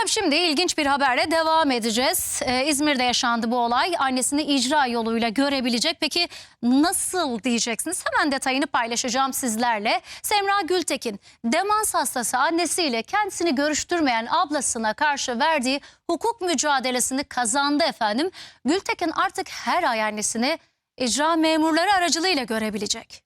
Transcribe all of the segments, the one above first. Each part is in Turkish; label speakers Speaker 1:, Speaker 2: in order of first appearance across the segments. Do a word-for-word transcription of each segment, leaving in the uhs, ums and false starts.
Speaker 1: Efendim şimdi ilginç bir haberle devam edeceğiz. Ee, İzmir'de yaşandı bu olay. Annesini icra yoluyla görebilecek. Peki nasıl diyeceksiniz? Hemen detayını paylaşacağım sizlerle. Semra Gültekin, demans hastası annesiyle kendisini görüştürmeyen ablasına karşı verdiği hukuk mücadelesini kazandı efendim. Gültekin artık her ay annesini icra memurları aracılığıyla görebilecek.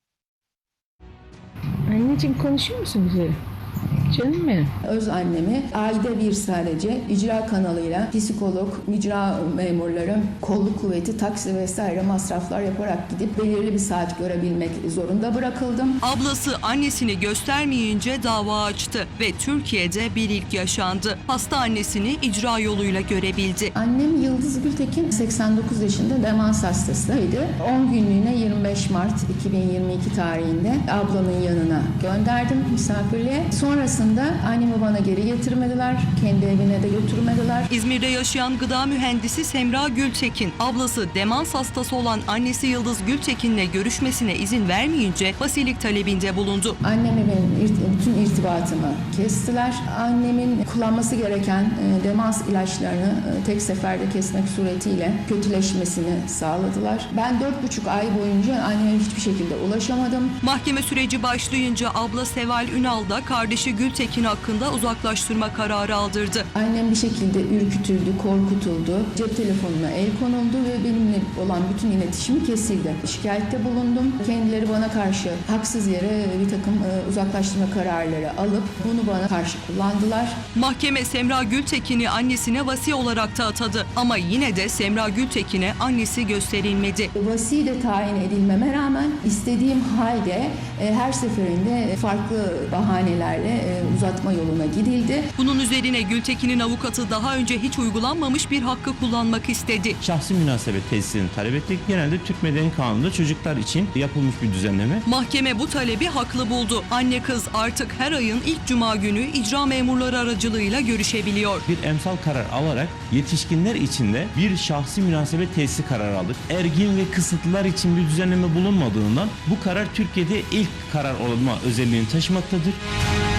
Speaker 2: Anneciğim konuşuyor musun bize? Canım benim.
Speaker 3: Öz annemi ayda bir sadece icra kanalıyla psikolog, icra memurları, kolluk kuvveti, taksi vesaire masraflar yaparak gidip belirli bir saat görebilmek zorunda bırakıldım.
Speaker 4: Ablası annesini göstermeyince dava açtı ve Türkiye'de bir ilk yaşandı. Hasta annesini icra yoluyla görebildi.
Speaker 3: Annem Yıldız Gültekin seksen dokuz yaşında demans hastasıydı. on günlüğüne yirmi beş Mart iki bin yirmi iki tarihinde ablanın yanına gönderdim misafirliğe. Sonrasında annemi bana geri getirmediler, kendi evine de götürmediler.
Speaker 4: İzmir'de yaşayan gıda mühendisi Semra Gültekin, ablası demans hastası olan annesi Yıldız Gültekin'le görüşmesine izin vermeyince vasilik talebinde bulundu.
Speaker 3: Anneme benim irt- bütün irtibatımı kestiler. Annemin kullanması gereken e, demans ilaçlarını e, tek seferde kesmek suretiyle kötüleşmesini sağladılar. Ben dört buçuk ay boyunca anneme hiçbir şekilde ulaşamadım.
Speaker 4: Mahkeme süreci başlayınca abla Seval Ünal da kardeşi Gültekin hakkında uzaklaştırma kararı aldırdı.
Speaker 3: Annem bir şekilde ürkütüldü, korkutuldu. Cep telefonuna el konuldu ve benimle olan bütün iletişimi kesildi. Şikayette bulundum. Kendileri bana karşı haksız yere bir takım e, uzaklaştırma kararları alıp bunu bana karşı kullandılar.
Speaker 4: Mahkeme Semra Gültekin'i annesine vasi olarak da atadı. Ama yine de Semra Gültekin'e annesi gösterilmedi.
Speaker 3: Vasi de tayin edilmeme rağmen istediğim halde e, her seferinde farklı bahanelerle e, uzatma yoluna gidildi.
Speaker 4: Bunun üzerine Gültekin'in avukatı daha önce hiç uygulanmamış bir hakkı kullanmak istedi.
Speaker 5: Şahsi münasebet tesisini talep ettik. Genelde Türk Medeni Kanunu'nda çocuklar için yapılmış bir düzenleme.
Speaker 4: Mahkeme bu talebi haklı buldu. Anne kız artık her ayın ilk cuma günü icra memurları aracılığıyla görüşebiliyor.
Speaker 5: Bir emsal karar alarak yetişkinler için de bir şahsi münasebet tesisi kararı aldık. Ergin ve kısıtlılar için bir düzenleme bulunmadığından bu karar Türkiye'de ilk karar olma özelliğini taşımaktadır.